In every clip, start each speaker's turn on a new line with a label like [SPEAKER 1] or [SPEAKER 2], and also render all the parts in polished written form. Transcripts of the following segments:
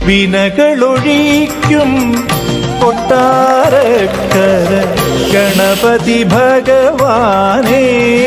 [SPEAKER 1] വിനകളൊഴിക്കും കൊട്ടാരക്കര ഗണപതി ഭഗവാനേ.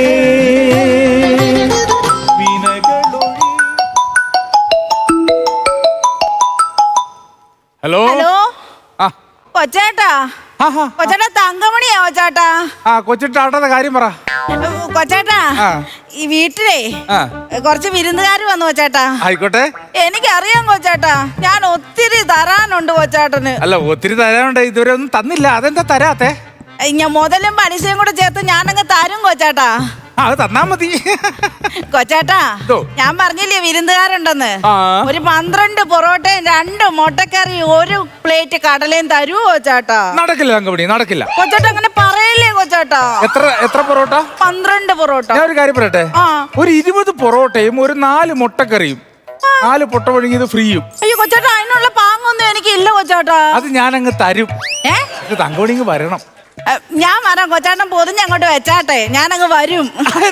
[SPEAKER 2] Hello
[SPEAKER 3] hello കൊച്ചേട്ടാ. കൊച്ചേട്ടാ തങ്കമണിയാ കൊച്ചേട്ടാ.
[SPEAKER 2] കൊച്ചിട്ടാട്ടത്തെ കാര്യം പറ.
[SPEAKER 3] കൊച്ചേട്ടാ ഈ വീട്ടിലേ കുറച്ച് വിരുന്നുകാര് വന്നു കൊച്ചേട്ടാ.
[SPEAKER 2] ആയിക്കോട്ടെ.
[SPEAKER 3] എനിക്കറിയാം കൊച്ചേട്ടാ, ഞാൻ ഒത്തിരി തരാനുണ്ട് കൊച്ചേട്ടന്.
[SPEAKER 2] അല്ല ഒത്തിരി തരാനുണ്ട്, ഇതുവരെ ഒന്നും തന്നില്ല. അതെന്താ തരാത്തെ?
[SPEAKER 3] ഞാൻ മുതലും പലിശയും കൂടെ ചേർത്ത് ഞാനങ്ങ് തരും കൊച്ചേട്ടാ.
[SPEAKER 2] അത് തന്നാ മതി
[SPEAKER 3] കൊച്ചേട്ടാ. ഞാൻ പറഞ്ഞില്ലേ വിരുന്നുകാരുണ്ടെന്ന്. ഒരു 12 പൊറോട്ടയും 2 മുട്ടക്കറിയും 1 പ്ലേറ്റ് കടലയും തരൂ കൊച്ചേട്ടാ.
[SPEAKER 2] നടക്കില്ല തങ്കമണി, നടക്കില്ല.
[SPEAKER 3] കൊച്ചേട്ടാ അങ്ങനെ പറയല്ലേ കൊച്ചേട്ടാ.
[SPEAKER 2] എത്ര പൊറോട്ട? 12
[SPEAKER 3] പൊറോട്ട.
[SPEAKER 2] ഞാൻ ഒരു കാര്യം പറയട്ടെ, ഒരു 20 പൊറോട്ടയും ഒരു 4 മുട്ടക്കറിയും 4 പൊട്ട ഒഴുകിയത് ഫ്രീയും.
[SPEAKER 3] അയ്യോ കൊച്ചേട്ടാ, അതിനുള്ള പാങ്ങൊന്നും എനിക്ക് ഇല്ല കൊച്ചേട്ടാ.
[SPEAKER 2] അത് ഞാനങ്ങ് തരും. തങ്കമണി ഇങ്ങ് വരണം.
[SPEAKER 3] ഞാൻ വരാം കൊച്ചേട്ടൻ പൊതിഞ്ഞ് അങ്ങോട്ട് വെച്ചാട്ടെ, ഞാനങ്ങ് വരും.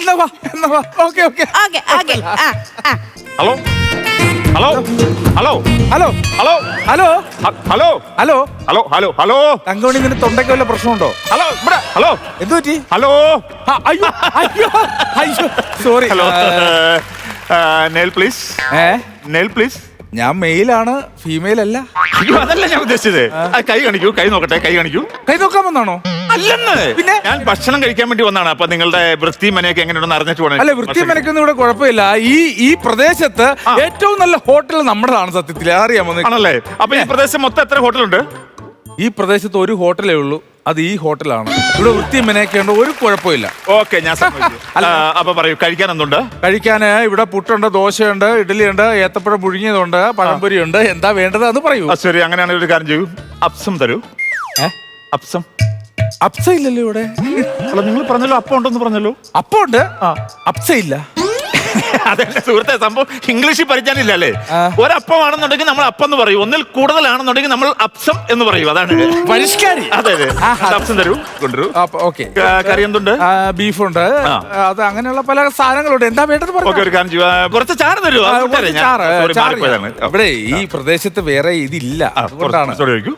[SPEAKER 4] Hello hello hello
[SPEAKER 2] hello
[SPEAKER 4] hello
[SPEAKER 2] hello
[SPEAKER 4] hello
[SPEAKER 2] hello
[SPEAKER 4] hello hello hello
[SPEAKER 2] Thankamani നിന്റെ തൊണ്ടയ്ക്ക് വല്ല പ്രശ്നമുണ്ടോ?
[SPEAKER 4] ഹലോ ഇവിടെ ഹലോ
[SPEAKER 2] എന്തു പറ്റി?
[SPEAKER 4] ഹലോ
[SPEAKER 2] അയ്യോ അയ്യോ അയ്യോ sorry.
[SPEAKER 4] Hello nail please. Nail please.
[SPEAKER 2] ഞാൻ മെയിലാണ്, ഫീമെയിൽ അല്ല.
[SPEAKER 4] അയ്യോ അതല്ല ഞാൻ ഉദ്ദേശിച്ചത്. കൈ കാണിക്കൂ, കൈ നോക്കട്ടെ, കൈ കാണിക്കൂ.
[SPEAKER 2] കൈ നോക്കാൻ വന്നാണോ?
[SPEAKER 4] അല്ലെന്ന്,
[SPEAKER 2] പിന്നെ
[SPEAKER 4] ഞാൻ ഭക്ഷണം കഴിക്കാൻ വേണ്ടി വന്നാണ്. അപ്പൊ നിങ്ങളുടെ വൃത്തി മനയൊക്കെ എങ്ങനെയുണ്ടെന്ന് അറിഞ്ഞിട്ട് വേണം.
[SPEAKER 2] അല്ല വൃത്തി മനക്കൊന്നും ഇവിടെ കുഴപ്പമില്ല. ഈ പ്രദേശത്ത് ഏറ്റവും നല്ല ഹോട്ടൽ നമ്മുടെതാണ് സത്യത്തിൽ, അറിയാമോ?
[SPEAKER 4] ആണല്ലേ? അപ്പൊ ഈ പ്രദേശം മൊത്തം എത്ര ഹോട്ടലുണ്ട്?
[SPEAKER 2] ഈ പ്രദേശത്ത് ഒരു ഹോട്ടലേ ഉള്ളൂ, അത് ഈ ഹോട്ടലാണ്. ഇവിടെ വൃത്തി മനയൊക്കെയുണ്ട്, ഒരു കുഴപ്പമില്ല.
[SPEAKER 4] ഓക്കെ ഞാൻ അപ്പൊ പറയൂ, കഴിക്കാൻ എന്തുണ്ട്?
[SPEAKER 2] കഴിക്കാൻ ഇവിടെ പുട്ടുണ്ട്, ദോശയുണ്ട്, ഇഡ്ഡലിയുണ്ട്, ഏത്തപ്പഴം പുഴുങ്ങിയതുണ്ട്, പഴംപൊരിയുണ്ട്. എന്താ വേണ്ടത് അത് പറയൂ.
[SPEAKER 4] ശരി, അങ്ങനെയാണെങ്കിൽ ഒരു കാര്യം ചെയ്യൂ, അപ്സം തരൂ. അപ്സം.
[SPEAKER 2] അപ്സ ഇല്ലല്ലോ ഇവിടെ.
[SPEAKER 4] അല്ല നിങ്ങൾ പറഞ്ഞല്ലോ അപ്പം ഉണ്ടെന്ന് പറഞ്ഞല്ലോ.
[SPEAKER 2] അപ്പം ഉണ്ട്, അപ്സ ഇല്ല.
[SPEAKER 4] അതെ സുഹൃത്തെ, സംഭവം ഇംഗ്ലീഷിൽ പഠിക്കാനില്ല അല്ലേ? ഒരപ്പമാണെന്നുണ്ടെങ്കിൽ നമ്മൾ അപ്പം എന്ന് പറയും, ഒന്നിൽ കൂടുതലാണെന്നുണ്ടെങ്കിൽ നമ്മൾ അപ്സം എന്ന് പറയും. അതാണ് പരിഷ്കാരി. അതെ അതെ. അപ്സം തരൂ, കൊണ്ടുവരൂ. കറി എന്തുണ്ട്?
[SPEAKER 2] ബീഫുണ്ട്, അത് അങ്ങനെയുള്ള പല സാധനങ്ങളുണ്ട്. എന്താ വേണ്ടത്?
[SPEAKER 4] ഒരു കാര്യം ചെയ്യുക, കുറച്ച് ചാറ് തരൂ.
[SPEAKER 2] ഇവിടെ ഈ പ്രദേശത്ത് വേറെ ഇതില്ല, അതുകൊണ്ടാണ്.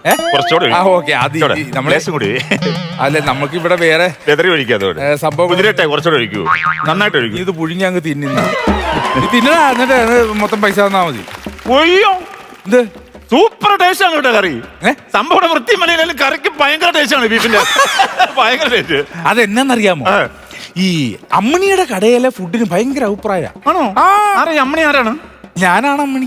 [SPEAKER 2] അല്ലെ നമുക്ക് ഇവിടെ വേറെ
[SPEAKER 4] സംഭവം കുറച്ചുകൂടെ ഒഴിക്കൂ, നന്നായിട്ട് ഒഴിക്കൂ.
[SPEAKER 2] ഇത് പുഴുങ്ങി അങ്ങ് തിന്നുന്ന തിന്നടാ, എന്നിട്ട് മൊത്തം പൈസ തന്നാ മതി.
[SPEAKER 4] ഒയ്യോ ഇത് സൂപ്പർ ടേസ്റ്റ് ആണ് കേട്ടോ കറി. സംഭവം വൃത്തി മലയിലും കറിക്ക് ഭയങ്കര ടേസ്റ്റ് ആണ്, ബീഫിന്റെ ഭയങ്കര ടേസ്റ്റ്.
[SPEAKER 2] അതെന്നറിയാമോ? ഈ അമ്മിണിയുടെ കടയിലെ ഫുഡിന് ഭയങ്കര അഭിപ്രായം
[SPEAKER 4] ആണോ? അമ്മിണി ആരാണ്?
[SPEAKER 2] ഞാനാണ് അമ്മിണി.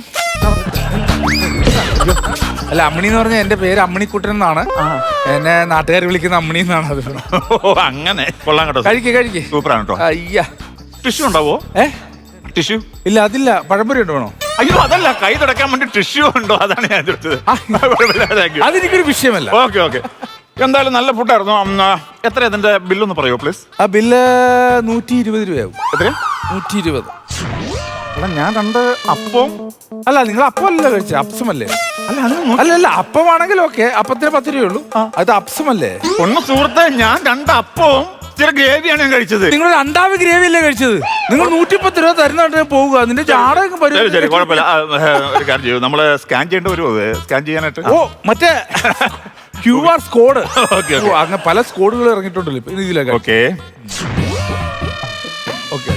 [SPEAKER 2] അല്ല അമ്മിണി എന്ന് പറഞ്ഞാൽ എന്റെ പേര് അമ്മിണിക്കുട്ടൻ എന്നാണ്, എന്നെ നാട്ടുകാർ വിളിക്കുന്ന അമ്മിണി എന്നാണ്. അത്
[SPEAKER 4] അങ്ങനെ കൊള്ളാം കേട്ടോ.
[SPEAKER 2] കഴിക്കേ
[SPEAKER 4] സൂപ്പറാണ് കേട്ടോ.
[SPEAKER 2] അയ്യാ
[SPEAKER 4] ടിഷ്യൂ ഉണ്ടാവോ? ടിഷ്യൂ ഇല്ല.
[SPEAKER 2] അതില്ല. പഴംപൊരി ഉണ്ടോ?
[SPEAKER 4] അയ്യോ അതല്ല, കൈ തുടക്കാൻ വേണ്ടി ടിഷ്യൂ ഉണ്ടോ? അതാണ് ഞാൻ ചോദിച്ചത്.
[SPEAKER 2] അതെനിക്കൊരു വിഷയമല്ല.
[SPEAKER 4] Okay okay. എന്തായാലും നല്ല ഫുഡായിരുന്നു. എത്ര ഇതിന്റെ ബില്ലൊന്ന് പറയോ പ്ലീസ്?
[SPEAKER 2] ആ ബില്ല് 120 രൂപയാവും.
[SPEAKER 4] എത്ര?
[SPEAKER 2] 120.
[SPEAKER 4] അല്ല ഞാൻ 2 അപ്പം.
[SPEAKER 2] അല്ല നിങ്ങൾ അപ്പം അല്ലല്ലോ കഴിച്ചത്, അപ്സമല്ലേ? അല്ല അപ്പമാണെങ്കിൽ ഓക്കെ, അപ്പത്തിന് 10 രൂപയുള്ളൂ. അത് അപ്സമല്ലേ?
[SPEAKER 4] ഒന്ന് സുഹൃത്തെ, ഞാൻ 2 അപ്പവും ചില ഗ്രേവിയാണ് ഞാൻ കഴിച്ചത്.
[SPEAKER 2] നിങ്ങൾ 2 ഗ്രേവി അല്ലേ കഴിച്ചത്? നിങ്ങൾ 110 രൂപ തരുന്നുണ്ട് പോവുക, അതിന്റെ ജാടകം വരും.
[SPEAKER 4] ശരി കുഴപ്പമില്ല. ഒരു കാര്യം ചെയ്യൂ, നമ്മള് സ്കാൻ ചെയ്യേണ്ട വരുമോ? സ്കാൻ ചെയ്യാനായിട്ട്
[SPEAKER 2] മറ്റേ QR കോഡ്. അങ്ങനെ പല സ്കോഡുകൾ ഇറങ്ങിയിട്ടുണ്ടല്ലോ ഇപ്പൊ ഇതിലൊക്കെ.
[SPEAKER 4] Okay okay.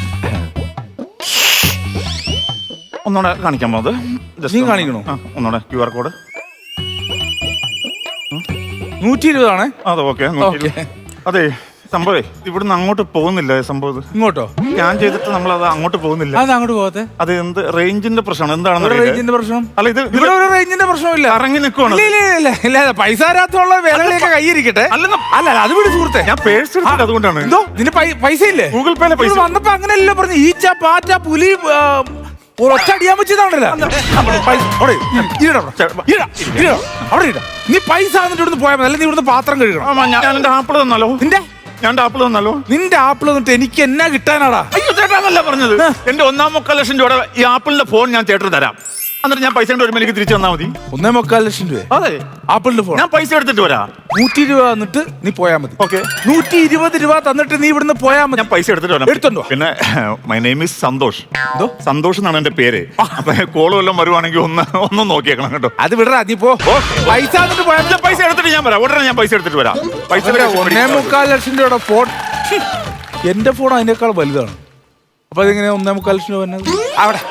[SPEAKER 4] ഒന്നുകൂടെ കാണിക്കാൻ പോകുന്നത്
[SPEAKER 2] നീ കാണിക്കണോ?
[SPEAKER 4] ഒന്നുകൂടെ QR കോഡ്
[SPEAKER 2] 120 ആണ്.
[SPEAKER 4] അതെ ഓക്കെ. അതെ സംഭവേ ഇവിടുന്ന് അങ്ങോട്ട് പോകുന്നില്ല. സംഭവം
[SPEAKER 2] ഇങ്ങോട്ടോ
[SPEAKER 4] സ്കാൻ ചെയ്തിട്ട് നമ്മൾ അത് അങ്ങോട്ട് പോകുന്നില്ല.
[SPEAKER 2] അത് അങ്ങോട്ട് പോകത്തെ?
[SPEAKER 4] അത് എന്ത് റേഞ്ചിന്റെ പ്രശ്നമാണ്? എന്താണെന്ന്
[SPEAKER 2] റേഞ്ചിന്റെ പ്രശ്നം?
[SPEAKER 4] അല്ല ഇത്
[SPEAKER 2] ഇവിടെ ഒരു റേഞ്ചിന്റെ പ്രശ്നമില്ല, ഇറങ്ങി നിൽക്കുവാണ്. ഇല്ല പൈസ തരാത്തുള്ള വേലകളെയൊക്കെ കയ്യിരിക്കട്ടെ. അല്ല അത് വിട് സുഹൃത്തെ, ഞാൻ പേഴ്സ് എടുത്തിട്ട് അതുകൊണ്ടാണ്. എന്തോ ഇതിന് പൈസ ഇല്ലേ? ഗൂഗിൾ പേയിലെ പൈസ വന്നപ്പോ അങ്ങനെയല്ല പറഞ്ഞു. ഈച്ച പാറ്റ പുലി ഒറ്റ അടിയാൻ വെച്ചതാണല്ലോ. നീ പൈസ എന്നിട്ട് ഇവിടുന്ന് പോയാൽ മതി, അല്ലെങ്കിൽ നീ ഇവിടുന്ന് പാത്രം കഴുകണം.
[SPEAKER 4] ഞാൻ എന്റെ ആപ്പിൾ തന്നാലോ?
[SPEAKER 2] നിന്റെ ആപ്പിൾ തന്നിട്ട് എനിക്ക് എന്നാ കിട്ടാനാടാ?
[SPEAKER 4] അയ്യോ ചേട്ടാന്നല്ല പറഞ്ഞത്. എന്റെ 1.25 ലക്ഷം രൂപയുടെ ഈ ആപ്പിളിന്റെ ഫോൺ ഞാൻ ചേട്ടന് തരാം. എന്നിട്ട് ഞാൻ പൈസ വരുമ്പോൾ എനിക്ക് തിരിച്ചു തന്നാ മതി.
[SPEAKER 2] 1.25 ലക്ഷം രൂപ.
[SPEAKER 4] അതെ,
[SPEAKER 2] ആപ്പിളിന്റെ ഫോൺ.
[SPEAKER 4] ഞാൻ പൈസ എടുത്തിട്ട് വരാം.
[SPEAKER 2] 100 രൂപ തന്നിട്ട് നീ പോയാ മതി.
[SPEAKER 4] ഓക്കെ,
[SPEAKER 2] 120 രൂപ തന്നിട്ട് നീ ഇവിടുന്ന് പോയാ മതി.
[SPEAKER 4] ഞാൻ പൈസ എടുത്തിട്ട് വരാം.
[SPEAKER 2] എടുത്തോണ്ടോ?
[SPEAKER 4] പിന്നെ my name is Santhosh. Santhosh എന്നാണ് എന്റെ പേര്. അപ്പൊ കോള് വല്ലതും വരുവാണെങ്കിൽ ഒന്ന് നോക്കിയേക്കണം കേട്ടോ.
[SPEAKER 2] അത് വിടറാ, നീ പോ. പൈസ തന്നിട്ട് പോയാ മതി.
[SPEAKER 4] പൈസ എടുത്തിട്ട് ഞാൻ വരാം. ഉടനെ ഞാൻ പൈസ എടുത്തിട്ട് വരാം. പൈസ
[SPEAKER 2] 1.25 ലക്ഷം രൂപയുടെ ഫോൺ. എന്റെ ഫോൺ അതിനേക്കാൾ വലുതാണ്. അപ്പൊ അതെങ്ങനെയാ 1.25 ലക്ഷം രൂപ വന്നത്? അവിടെ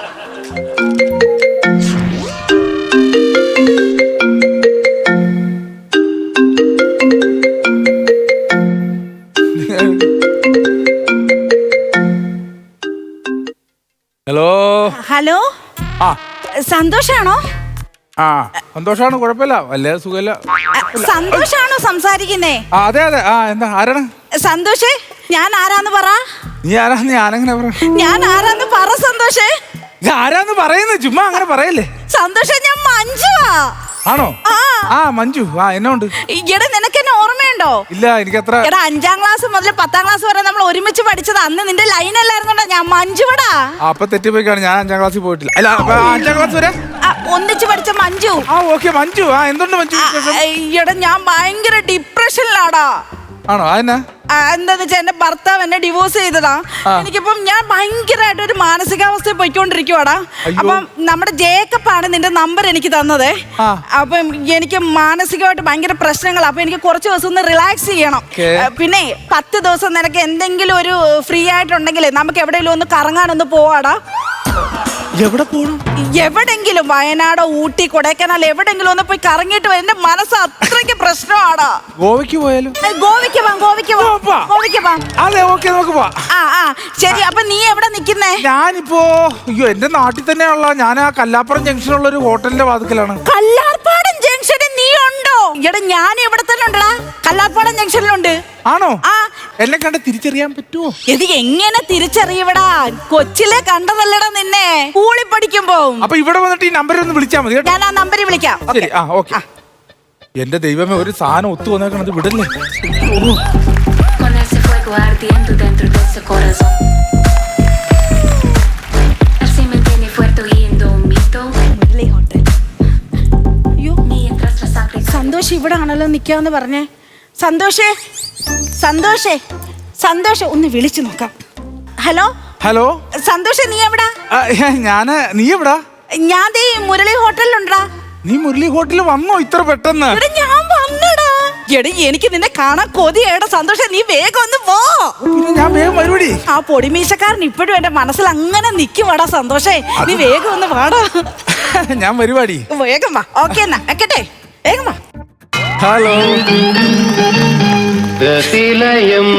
[SPEAKER 2] ഹലോ.
[SPEAKER 3] ഹലോ,
[SPEAKER 2] ആ
[SPEAKER 3] സന്തോഷാണോ?
[SPEAKER 2] ആ സന്തോഷാണ്, കുഴപ്പമില്ല, വല്ല സുഖമില്ല.
[SPEAKER 3] സന്തോഷാണോ സംസാരിക്കുന്നേ?
[SPEAKER 2] അതെ അതെ. ആ എന്താ, ആരാണ്?
[SPEAKER 3] സന്തോഷേ, ഞാൻ ആരാന്ന് പറ.
[SPEAKER 2] നീ ആരാന്ന്? ഞാനെങ്ങനെ പറ?
[SPEAKER 3] ഞാൻ ആരാന്ന് പറ സന്തോഷേ.
[SPEAKER 2] ആരാന്ന് പറയുന്നത്? ചുമ്മാ അങ്ങനെ പറയല്ലേ.
[SPEAKER 3] സന്തോഷേ, ഞാൻ മഞ്ജുവാ.
[SPEAKER 2] ആണോ?
[SPEAKER 3] ആ.
[SPEAKER 2] ആ മഞ്ജു, ആ എന്നോണ്ട്.
[SPEAKER 3] ഈയിടെ നിനക്ക് എന്നെ ഓർമ്മയുണ്ടോ?
[SPEAKER 2] ഇല്ല, എനിക്കത്ര.
[SPEAKER 3] എടാ, 5ാം ക്ലാസ് മുതൽ 10ാം ക്ലാസ് വരെ നമ്മൾ ഒരുമിച്ച് പഠിച്ചത്. അന്ന് നിന്റെ ലൈൻ അല്ലായിരുന്നോടാ ഞാൻ മഞ്ജുവടാ.
[SPEAKER 2] അപ്പൊ തെറ്റിപ്പോയിക്കാണ്. ഞാൻ 5ാം ക്ലാസ്സിൽ പോയിട്ടില്ല. അല്ല, 5ാം ക്ലാസ് വരെ
[SPEAKER 3] ഒന്നിച്ച് പഠിച്ച മഞ്ജു.
[SPEAKER 2] ആ ഓക്കെ, മഞ്ജു. ആ എന്തുണ്ട് മഞ്ജു?
[SPEAKER 3] ഈയിടെ ഞാൻ ഭയങ്കര ഡിപ്രഷനിലാടാ.
[SPEAKER 2] ആണോ? അതെന്നാ?
[SPEAKER 3] എന്താന്ന് വെച്ചാൽ എന്റെ ഭർത്താവ് എന്നെ ഡിവോഴ്സ് ചെയ്തതാ. എനിക്കിപ്പം ഞാൻ ഭയങ്കരമായിട്ട് ഒരു മാനസികാവസ്ഥയിൽ പോയിക്കൊണ്ടിരിക്കുവാടാ. അപ്പം നമ്മുടെ ജേക്കപ്പാണ് നിന്റെ നമ്പർ എനിക്ക് തന്നത്. അപ്പം എനിക്ക് മാനസികമായിട്ട് ഭയങ്കര പ്രശ്നങ്ങളാണ്. അപ്പൊ എനിക്ക് കുറച്ച് ദിവസം ഒന്ന് റിലാക്സ് ചെയ്യണം. പിന്നെ 10 ദിവസം നിനക്ക് എന്തെങ്കിലും ഒരു ഫ്രീ ആയിട്ടുണ്ടെങ്കിൽ നമുക്ക് എവിടെയെങ്കിലും ഒന്ന് കറങ്ങാനൊന്ന് പോവാടാ.
[SPEAKER 2] എവിടെ പോകണം?
[SPEAKER 3] എവിടെങ്കിലും വയനാടോ ഊട്ടി കൊടൈക്കനാൽ എവിടെങ്കിലും ഒന്ന് പോയി കറങ്ങിയിട്ട് എന്റെ മനസ്സ് അത്രയ്ക്ക് പ്രശ്നമാടാ.
[SPEAKER 2] ഗോവയ്ക്ക് പോയാലും?
[SPEAKER 3] ഗോവയ്ക്ക് പോവാം, ഗോവയ്ക്ക് പോവാം, ഗോവയ്ക്ക് പോവാം.
[SPEAKER 2] അതെ, ഓക്കെ, നമുക്ക് പോവാം.
[SPEAKER 3] ആ ശരി. അപ്പൊ നീ എവിടെ നിക്കുന്നേ?
[SPEAKER 2] ഞാനിപ്പോ എന്റെ നാട്ടിൽ തന്നെയുള്ള, ഞാൻ ആ കല്ലാപ്പുറം ജംഗ്ഷനുള്ള ഒരു ഹോട്ടലിന്റെ വാതിക്കലാണ്.
[SPEAKER 3] കല്ലാർപ്പാടം ജംഗ്ഷനിൽ നീ ഉണ്ടോ? എടാ, ഞാൻ ഇവിടെ തന്നെ ഉണ്ടടാ, കല്ലാർപ്പാടം ജംഗ്ഷനിലുണ്ട്.
[SPEAKER 2] ആണോ?
[SPEAKER 3] ആ.
[SPEAKER 2] എന്നെ കണ്ട് തിരിച്ചറിയാൻ പറ്റുമോ?
[SPEAKER 3] ഇത് എങ്ങനെ തിരിച്ചറിയടാ? കൊച്ചിലെ കണ്ടതല്ലടാ നിന്നെ സ്കൂളിൽ പഠിക്കുമ്പോ.
[SPEAKER 2] അപ്പൊ ഇവിടെ വന്നിട്ട് ഈ നമ്പറിൽ ഒന്ന് വിളിച്ചാൽ മതി.
[SPEAKER 3] ഞാൻ ആ നമ്പറിൽ വിളിക്കാം.
[SPEAKER 2] ശരി. ആ ഓക്കെ. എന്റെ ദൈവമേ, ഒരു സാധനം ഒത്തു വന്നേക്കണത് വിടല്ലേ.
[SPEAKER 5] Con ese fuego ardiendo dentro de ese corazón. Él se mantiene fuerte y indomito. Mientras la sangre.
[SPEAKER 3] Santhosh ഇവിടെ ആണല്ലോ നിക്കാന്ന് പറഞ്ഞേ. സന്തോഷേ, സന്തോഷേ, സന്തോഷ് ഒന്ന് വിളിച്ചു നോക്കാം. ഹലോ.
[SPEAKER 2] ഹലോ
[SPEAKER 3] സന്തോഷ്, നീ എവിടാ?
[SPEAKER 2] നീ എവിടാ?
[SPEAKER 3] ഞാൻ ദേ മുരളി ഹോട്ടലിലുണ്ടാ.
[SPEAKER 2] നീ മുരളി ഹോട്ടലിൽ വന്നോ ഇത്ര പെട്ടെന്ന്?
[SPEAKER 3] ഞാൻ വന്നടാ. എടി, എനിക്ക് നിന്നെ കാണാൻ കൊതിയേടാ. സന്തോഷം, നീ വേഗം ഒന്ന് പോ.
[SPEAKER 2] പിന്നെ ഞാൻ വേഗം വരുവടി.
[SPEAKER 3] ആ പൊടിമീശക്കാരൻ ഇപ്പോഴും എന്റെ മനസ്സിൽ അങ്ങനെ നിക്കുവാടാ. സന്തോഷേ, നീ വേഗം ഒന്ന് വാടാ.
[SPEAKER 2] ഞാൻ വരുവാടി.
[SPEAKER 3] വേഗം വാ. ഓക്കെ എന്നാ വെക്കട്ടെ, വേഗം വാ.
[SPEAKER 2] ഹലോ.
[SPEAKER 6] ഗതിലയം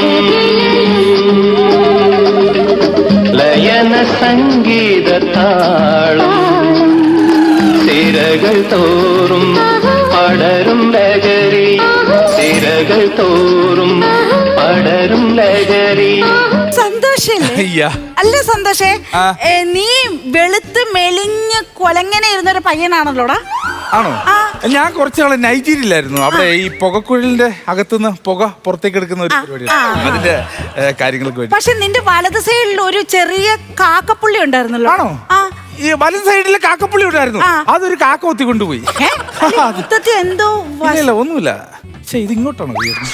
[SPEAKER 6] ലയന സംഗീത താളം സിരകൾ തോറും പടരും ലഹരി സിരകൾ തോറും പടരും ലഹരി.
[SPEAKER 3] സന്തോഷല്ലേ? അല്ല സന്തോഷേ, നീ വെളുത്ത് മെലിഞ്ഞ് കൊലങ്ങനെ ഇരുന്നൊരു പയ്യനാണല്ലോടാ.
[SPEAKER 2] ആണോ? ഞാൻ കുറച്ച് നാളെ നൈജീരിയയിലായിരുന്നു. അവിടെ ഈ പുകക്കുഴലിന്റെ അകത്തുനിന്ന് പുക പുറത്തേക്ക് എടുക്കുന്ന ഒരു പരിപാടിയാണ്. അതിന്റെ കാര്യങ്ങൾക്ക് വേണ്ടി.
[SPEAKER 3] പക്ഷെ നിന്റെ വലത് സൈഡിൽ ഒരു ചെറിയ കാക്കപ്പുള്ളി ഉണ്ടായിരുന്നല്ലോ.
[SPEAKER 2] ആണോ? ഈ വലത് സൈഡിൽ കാക്കപ്പുള്ളി ഉണ്ടായിരുന്നു. അതൊരു കാക്ക ഒത്തി കൊണ്ടുപോയി.
[SPEAKER 3] എന്തോ
[SPEAKER 2] ഇല്ല, ഒന്നുമില്ല. പക്ഷെ ഇത് ഇങ്ങോട്ടാണ്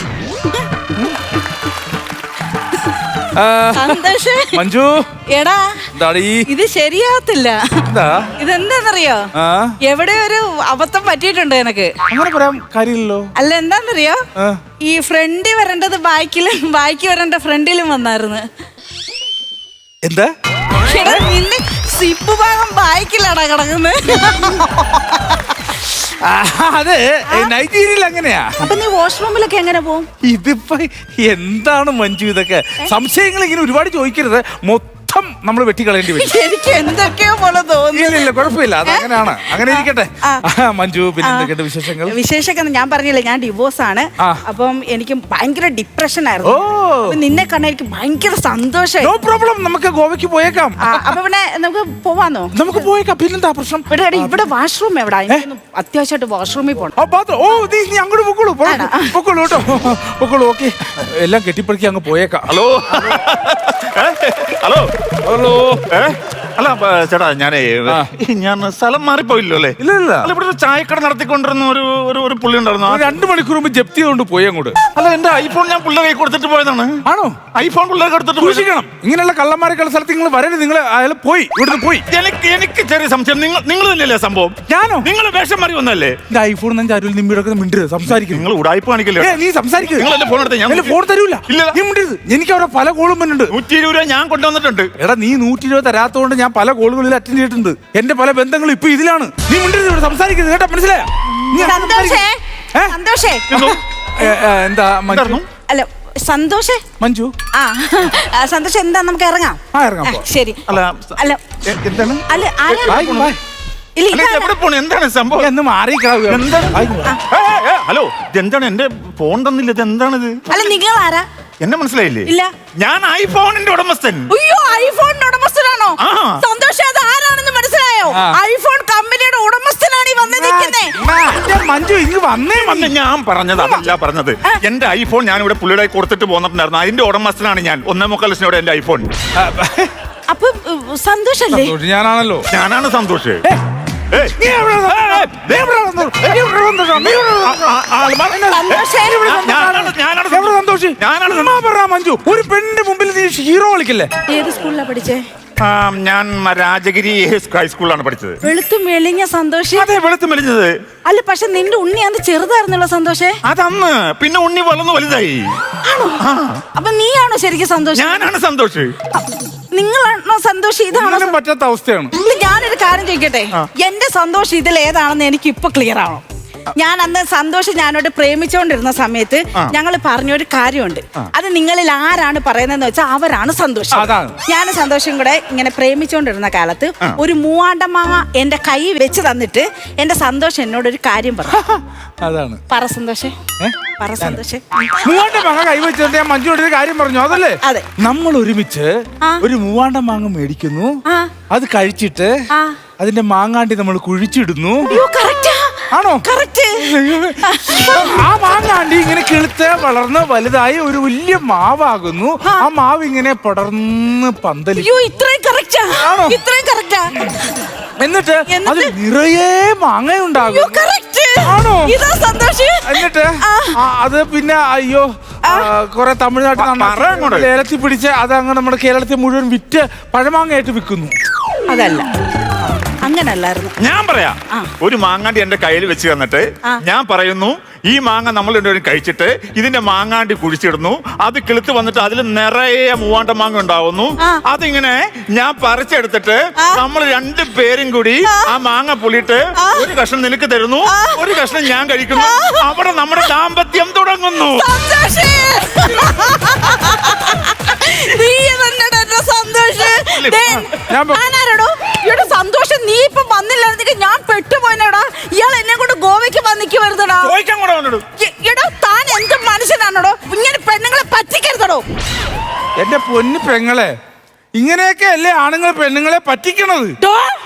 [SPEAKER 2] മഞ്ജു.
[SPEAKER 3] എടാ, ഇത് ശരിയാവത്തില്ല. ഇതെന്താന്നറിയോ? എവിടെ ഒരു അബദ്ധം പറ്റിയിട്ടുണ്ട് എനക്ക്.
[SPEAKER 2] അങ്ങനെ പറയാൻ കാര്യമില്ലല്ലോ.
[SPEAKER 3] അല്ല, എന്താന്നറിയോ? ഈ ഫ്രണ്ടിൽ വരേണ്ടത് ബാക്കിലും ബാക്കി വരേണ്ട ഫ്രണ്ടിലും വന്നായിരുന്നു.
[SPEAKER 2] എന്താ?
[SPEAKER 3] നിന്റെ സിപ്പ് ഭാഗം ബാക്കിലാടാ കിടക്കുന്നത്.
[SPEAKER 2] അതെ, നൈജീരിയയിൽ അങ്ങനെയാ.
[SPEAKER 3] അപ്പൊ നീ വാഷ്റൂമിലൊക്കെ എങ്ങനെ പോകും?
[SPEAKER 2] ഇതിപ്പോ എന്താണ് മഞ്ജു ഇതൊക്കെ? സംശയങ്ങൾ ഇങ്ങനെ ഒരുപാട് ചോദിക്കരുത്. നമ്മൾ വെട്ടിക്കളയേണ്ടി വരും.
[SPEAKER 3] എനിക്ക് എന്തൊക്കെയോ പോലെ തോന്നുന്നു.
[SPEAKER 2] ഇല്ല, കുഴപ്പമില്ല, അത് അങ്ങനെയാണ്. അങ്ങനെ ഇരിക്കട്ടെ. മഞ്ജു, പിന്നെ എന്തൊക്കെയുണ്ട് വിശേഷങ്ങൾ?
[SPEAKER 3] വിശേഷമൊക്കെ ഞാൻ പറഞ്ഞില്ലേ, ഞാൻ ഡിവോഴ്സ് ആണ്. അപ്പം എനിക്ക് ഭയങ്കര ഡിപ്രഷൻ ആയിരുന്നു. നിന്നെ കണ്ട എനിക്ക് ഭയങ്കര സന്തോഷം.
[SPEAKER 2] നോ പ്രോബ്ലം, നമുക്ക് ഗോവയ്ക്ക് പോയേക്കാം.
[SPEAKER 3] അപ്പൊ പിന്നെ നമുക്ക് പോവാന്നോ?
[SPEAKER 2] നമുക്ക് പോയേക്കാം. പിന്നെന്താ പ്രശ്നം?
[SPEAKER 3] ഇവിടെ വാഷ്റൂം എവിടാ? അത്യാവശ്യമായിട്ട് വാഷ്റൂമിൽ പോണം.
[SPEAKER 2] നീ അങ്ങോട്ട് പൊക്കോളൂ കേട്ടോ. പൊക്കോളൂ. ഓക്കെ, എല്ലാം കെട്ടിപ്പടുക്കി അങ്ങ് പോയേക്കാം.
[SPEAKER 4] ഹലോ. ഹലോ. അല്ല ചേട്ടാ ഞാൻ സ്ഥലം മാറിപ്പോയില്ലോ അല്ലേ?
[SPEAKER 2] ഇല്ല
[SPEAKER 4] അല്ല, ഇവിടെ ഒരു ചായക്കട നടത്തിക്കൊണ്ടിരുന്ന ഒരു പുള്ളി ഉണ്ടായിരുന്നു.
[SPEAKER 2] 2 മണിക്കൂർ മുമ്പ് ജപ്തി കൊണ്ട് പോയി അങ്ങോട്ട്.
[SPEAKER 4] അല്ല, എന്റെ ഐഫോൺ ഞാൻ പിള്ളേരെ കൈ കൊടുത്തിട്ട് പോയതാണ്.
[SPEAKER 2] ആണോ?
[SPEAKER 4] ഐഫോൺ പിള്ളേർക്ക് എടുത്തിട്ട്
[SPEAKER 2] സൂക്ഷിക്കണം. ഇങ്ങനെയുള്ള കള്ളന്മാരെ കള സ്ഥലത്ത് നിങ്ങൾ വരരുത്. നിങ്ങൾ അയാൾ പോയി, ഇവിടുന്ന് പോയി.
[SPEAKER 4] എനിക്ക് ചെറിയ സംശയം, നിങ്ങൾ തന്നെയല്ലേ സംഭവം?
[SPEAKER 2] ഞാനോ?
[SPEAKER 4] നിങ്ങൾ വേഷം മാറി വന്നല്ലേ?
[SPEAKER 2] എന്റെ ഐഫോൺ അരുൾ നിമ്മിടൊക്കെ മിണ്ടരുത്, സംസാരിക്കും.
[SPEAKER 4] നിങ്ങൾ ഉടായ്പ കാണിക്കല്ലേ?
[SPEAKER 2] നീ സംസാരിക്കും.
[SPEAKER 4] നിങ്ങൾ എന്റെ ഫോൺ എടുത്ത് ഞാൻ
[SPEAKER 2] ഫോൺ തരൂല.
[SPEAKER 4] ഇല്ല,
[SPEAKER 2] നീ മിണ്ടരുത്. എനിക്ക് അവിടെ പല കോളും വന്നിട്ടുണ്ട്.
[SPEAKER 4] 120 രൂപ ഞാൻ കൊണ്ടുവന്നിട്ടുണ്ട്.
[SPEAKER 2] എടാ, നീ 120 തരാത്തോണ്ട് ഞാൻ പല കോളുകളിൽ അറ്റൻഡ് ചെയ്തിട്ടുണ്ട്. എന്റെ പല ബന്ധങ്ങളും ഇപ്പൊ ഇതിലാണ്. നീ മിണ്ടരുത്, ഇവിടെ സംസാരിക്കരുത് കേട്ടോ, മനസ്സിലായോ?
[SPEAKER 3] സന്തോഷേ
[SPEAKER 2] എന്താ മഞ്ജു?
[SPEAKER 3] അല്ല സന്തോഷേ
[SPEAKER 2] മഞ്ജു
[SPEAKER 3] സന്തോഷം എന്താ, നമുക്ക് ഇറങ്ങാം.
[SPEAKER 2] ഇറങ്ങാം.
[SPEAKER 3] ശരി.
[SPEAKER 4] അല്ല
[SPEAKER 3] അല്ല
[SPEAKER 4] എന്താണ്?
[SPEAKER 3] അല്ല
[SPEAKER 4] എവിടെ പോണു? എന്താണ് സംഭവം?
[SPEAKER 2] എന്ന്
[SPEAKER 4] ഹലോ, ഇതെന്താണ്? എന്റെ ഫോൺ തന്നില്ല, ഇത് എന്താണിത്?
[SPEAKER 3] അല്ല നിങ്ങൾ ആരാ?
[SPEAKER 4] എന്നെ മനസ്സിലായില്ലേ?
[SPEAKER 3] ഇല്ല.
[SPEAKER 4] ഞാൻ ഐഫോണിന്റെ ഉടമസ്ഥൻ.
[SPEAKER 3] അയ്യോ, ഐഫോണിന്റെ ഉടമസ്ഥനാണോ? സന്തോഷം, അത് ആരാണെന്ന് മനസ്സിലായോ? ഐഫോൺ കമ്പനിയുടെ ഉടമസ്ഥനാണ് ഈ വന്ന് നിൽക്കുന്നത്.
[SPEAKER 2] മഞ്ജു ഇങ്ങ് വന്നേ.
[SPEAKER 4] ഞാൻ പറഞ്ഞത് അതല്ല പറഞ്ഞത്. എന്റെ ഐഫോൺ ഞാൻ ഇവിടെ പുള്ളിയുടെ കൊടുത്തിട്ട് പോന്നിട്ടുണ്ടായിരുന്നു. അതിന്റെ ഉടമസ്ഥനാണ് ഞാൻ. 1.25 ലക്ഷത്തോടെ എന്റെ ഐഫോൺ.
[SPEAKER 3] അപ്പൊ സന്തോഷല്ലേ?
[SPEAKER 2] ഞാനാണല്ലോ.
[SPEAKER 4] ഞാനാണ് സന്തോഷ്.
[SPEAKER 2] മഞ്ജു, ഒരു പെണ്ണിന്റെ മുമ്പിൽ നീ ഹീറോ കളിക്കല്ലേ?
[SPEAKER 3] ഏത് സ്കൂളിലാ പഠിച്ചേ?
[SPEAKER 4] ഞാൻ രാജഗിരി ഹൈസ്കൂളിലാണ് പഠിച്ചത്.
[SPEAKER 3] വെളുത്തും മെലിഞ്ഞ സന്തോഷ്.
[SPEAKER 4] അതെ, വെളുത്തും മെലിഞ്ഞത്.
[SPEAKER 3] അല്ല, പക്ഷെ നിന്റെ ഉണ്ണി അന്ന് ചെറുതായിരുന്നല്ലോ സന്തോഷേ.
[SPEAKER 4] അതന്ന്, പിന്നെ ഉണ്ണി വളർന്നു വലുതായി.
[SPEAKER 3] അപ്പൊ നീയാണോ ശരിക്കും സന്തോഷ്?
[SPEAKER 4] ഞാനാണ് സന്തോഷ്.
[SPEAKER 3] നിങ്ങളാണോ സന്തോഷ്? ഇതാണോ
[SPEAKER 2] പറ്റാത്ത അവസ്ഥയാണ്.
[SPEAKER 3] ഞാനൊരു കാര്യം ചോദിക്കട്ടെ, എന്റെ സന്തോഷം ഇതിൽ ഏതാണെന്ന് എനിക്ക് ഇപ്പൊ ക്ലിയർ ആണോ? ഞാൻ അന്ന് സന്തോഷം ഞാനോട് പ്രേമിച്ചോണ്ടിരുന്ന സമയത്ത് ഞങ്ങൾ പറഞ്ഞൊരു കാര്യമുണ്ട്. അത് നിങ്ങളിൽ ആരാണ് പറയുന്നതെന്ന് വെച്ചാൽ അവരാണ് സന്തോഷം. ഞാൻ സന്തോഷം കൂടെ ഇങ്ങനെ പ്രേമിച്ചോണ്ടിരുന്ന കാലത്ത് ഒരു മൂവാണ്ടമാങ്ങ എന്റെ കൈ വെച്ച് തന്നിട്ട് എന്റെ സന്തോഷം എന്നോടൊരു കാര്യം പറഞ്ഞു.
[SPEAKER 2] അതാണ്
[SPEAKER 3] പറ സന്തോഷേ, പറ സന്തോഷേ.
[SPEAKER 2] മൂവാണ്ടമാങ്ങ കൈ വെച്ചിട്ട് ഞാൻ മഞ്ജുவோட ഒരു കാര്യം പറഞ്ഞു. അതല്ലേ?
[SPEAKER 3] അതെ.
[SPEAKER 2] നമ്മൾ ഒരുമിച്ച് ഒരു മൂവാണ്ടമാങ്ങ മേടിക്കുന്നു, അത് കഴിച്ചിട്ട് അതിന്റെ മാങ്ങാണ്ടി നമ്മൾ കുഴിച്ചിടുന്നു. ആണോ? ആ മാങ്ങാണ്ടി ഇങ്ങനെ കിളുത്ത് വളർന്ന് വലുതായി ഒരു വലിയ മാവാകുന്നു. ആ മാവ് ഇങ്ങനെ പടർന്ന് പന്തലിക്കും. എന്നിട്ട് അത് നിറയെ മാങ്ങയുണ്ടാകും. ആണോ? എന്നിട്ട് അത് പിന്നെ കുറെ തമിഴ്നാട്ടിൽ ലേലത്തിൽ പിടിച്ച് അത് അങ്ങ് നമ്മുടെ കേരളത്തിൽ മുഴുവൻ വിറ്റ് പഴമാങ്ങയായിട്ട് വിൽക്കുന്നു.
[SPEAKER 3] അതല്ല, അങ്ങനല്ലായിരുന്നു.
[SPEAKER 4] ഞാൻ പറയാം. ഒരു മാങ്ങാണ്ടി എന്റെ കയ്യിൽ വെച്ച് തന്നിട്ട് ഞാൻ പറയുന്നു, ഈ മാങ്ങ നമ്മൾ രണ്ടുപേരും കഴിച്ചിട്ട് ഇതിന്റെ മാങ്ങാണ്ടി കുഴിച്ചിടുന്നു. അത് കിളുത്ത് വന്നിട്ട് അതിൽ നിറയെ മൂവാണ്ട മാങ്ങ ഉണ്ടാവുന്നു. അതിങ്ങനെ ഞാൻ പറിച്ചെടുത്തിട്ട് നമ്മൾ 2 പേരും കൂടി ആ മാങ്ങ പുളിയിട്ട് ഒരു കഷ്ണം നിനക്ക് തരുന്നു, ഒരു കഷ്ണം ഞാൻ കഴിക്കുന്നു. അവിടെ നമ്മുടെ ദാമ്പത്യം തുടങ്ങുന്നു.
[SPEAKER 3] സന്തോഷം, നീ ഇപ്പൊ വന്നില്ലായിരുന്നെങ്കിൽ ഞാൻ പെട്ടുപോയടാ. ഇയാൾ എന്നെ കൊണ്ട് ഗോവയ്ക്ക് വന്നിക്കുവരുതടാ. താൻ എന്ത് മനുഷ്യനാണോ? ഇങ്ങനെ പെണ്ണുങ്ങളെ പറ്റിക്കരുതടോ.
[SPEAKER 2] എന്റെ പൊന്നു പെങ്ങളെ, ഇങ്ങനെയൊക്കെ അല്ലേ ആണുങ്ങൾ പെണ്ണുങ്ങളെ പറ്റിക്കണത്?